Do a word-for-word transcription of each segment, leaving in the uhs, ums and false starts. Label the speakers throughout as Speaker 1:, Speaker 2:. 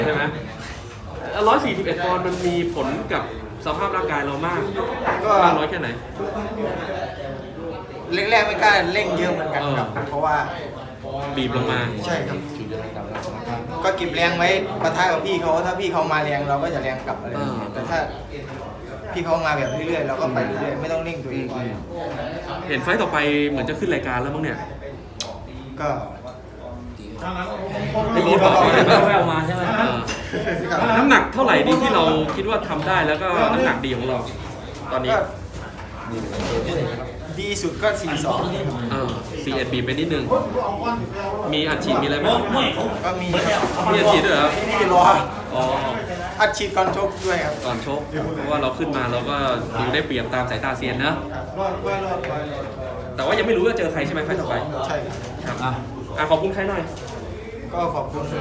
Speaker 1: ใช่ไหมร้อยสี่สิบเอ็ดปอนด์มันมีผลกับสภาพร่างกายเรามากก็มากน้อยแค่ไหน
Speaker 2: แรกๆไม่กล้าเร่งเยอะเหมือนกันครับเพราะว่า
Speaker 1: บีบลงมา
Speaker 2: ใช่ครับก็เก็บแรงไว้ปะทะกับพี่เขาถ้าพี่เขามาแรงเราก็จะแรงกลับอะไรแต่ถ้าพี่เขามาแบบเรื่อยๆเราก็ไปเรื่อยๆไม่ต้องเร่งตัวเอง
Speaker 1: เห็นไฟต่อไปเหมือนจะขึ้นรายการแล้วมั้งเนี่ย
Speaker 2: ก็
Speaker 1: ไม่รู้บอกแววมาใช่ไหมน้ำหนักเท่าไหร่ดีที่เราคิดว่าทำได้แล้วก็น้ำหนักดีของเราตอนนี้
Speaker 2: ดีสุดก็สี่สอง
Speaker 1: เออสี่เอ็ดบีไปนิดนึงมีอัดฉีดมีอะไรไหม
Speaker 2: ก็มี
Speaker 1: มีอัดฉีดด้วยเหรอ
Speaker 2: มีรอ
Speaker 1: อ๋อ
Speaker 2: อัดฉีดก่อนชกด้วยครับ
Speaker 1: ก่อนชกเพราะว่าเราขึ้นมาเราก็ดูได้เปรียบตามสายตาเซียนนะแต่ว่ายังไม่รู้ว่าเจอใครใช่ไหมไฟต่อไป
Speaker 2: ใช่
Speaker 1: ครับอ่ะขอบคุณใครหน่อย
Speaker 2: ก็ขอบคุณ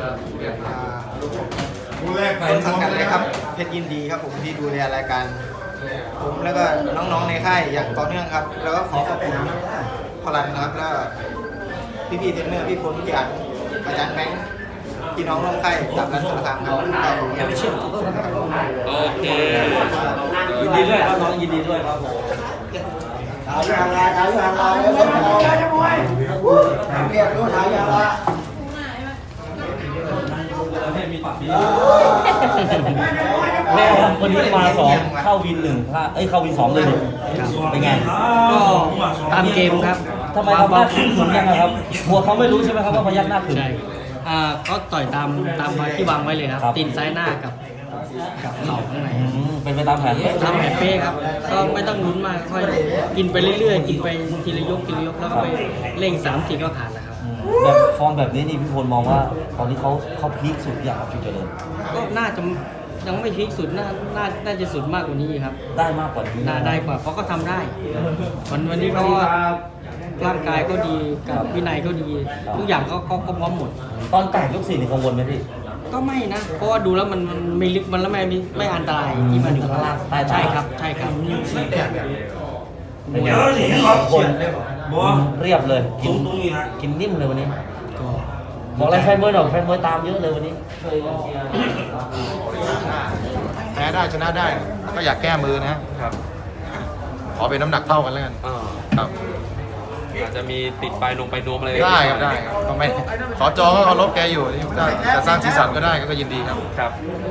Speaker 2: ต้นสังกัดเลยครับเพชรยินดีครับผมที่ดูแลรายการผมแล้วก็น้องๆในค่ายอย่างต่อเนื่องครับแล้วก็ขอขอบคุณพลันนะครับแล้วพี่ๆเทรนเนอร์พี่พลพี่อัดอาจารย์แบงค์พี่น้องร่วมค่ายจากรัฐสารคามครับยังไม่เชื่อ
Speaker 1: โอเค
Speaker 3: ยินดีด้วยครับน้องยินดีด้วยครับ
Speaker 2: ถ่ายอย่างไรถ่ายอย่างไรแล้วก็เรียกรู้ถ่ายอย่างไร
Speaker 3: แม่วันนี้มาสองเข้าวินหนึ่งพลาดเอ้ยเข้าวินสองเลยเป็นไง
Speaker 4: ก็ตามเกมครับ
Speaker 3: ทำไมทำหน้าขึ้นขุนยังไงครับหัวเขาไม่รู้ใช่ไหมครับว่าพยักหน้าขึ้น
Speaker 4: ใช่อ่าก็ต่อยตามตามที่วางไว้เลยครับตีนซ้ายหน้ากับกับเข่าข้างใน
Speaker 3: เป็นไปตามแผน
Speaker 4: ตามแผนเป้ครับก็ไม่ต้องลุ้นมากค่อยกินไปเรื่อยๆกินไปทีละยกทีละยกแล้วก็ไปเร่งสามทีก็ผ่านแล้วครับ
Speaker 3: แบบฟอร์มแบบนี้นี่พี่พลมองว่าตอนนี้เขาเขาพีคสุดอย่างฟิวเจอร์เลย
Speaker 4: ก็น่าจะยังไม่พีคสุดน่าน่าน่าจะสุดมากกว่านี้ครับ
Speaker 3: ได้มากกว่านี้
Speaker 4: น่าได้กว่าเพราะก็ทำได้วันวันนี้เขาร่างกายก็ดีกับวินัยก็ดีทุกอย่างก็ก็พร้อมหมด
Speaker 3: ตอนแต่งยกสี่นี่กังวลไหมพี่
Speaker 4: ก็ไม่นะเพราะว่าดูแล้วมันมันไม่ลึกมันแล้วไม่ไม่อันตรายที่มันอยู่ข้างล่างใช่ครับใช่ครับ
Speaker 3: เป็นไงคนเรียบเลยกินกินนิ่มเลยวันนี้บอกอะไรแฟนมวยหน่อยแฟนมวยตามเยอะเลยวันนี้
Speaker 5: แพ้ได้ชนะได้ก็อยากแก้มือนะครับขอเป็นน้ำหนักเท่ากันแล้วกันครับ
Speaker 1: อาจจะมีติดไปลงไปโน้มอะไร
Speaker 5: ได้ครับได้ครับก็ไม่สจก็เคารพแกอยู่ถ้าจะสร้างสีสันก็ได้ก็ยินดีครับ
Speaker 1: ครับ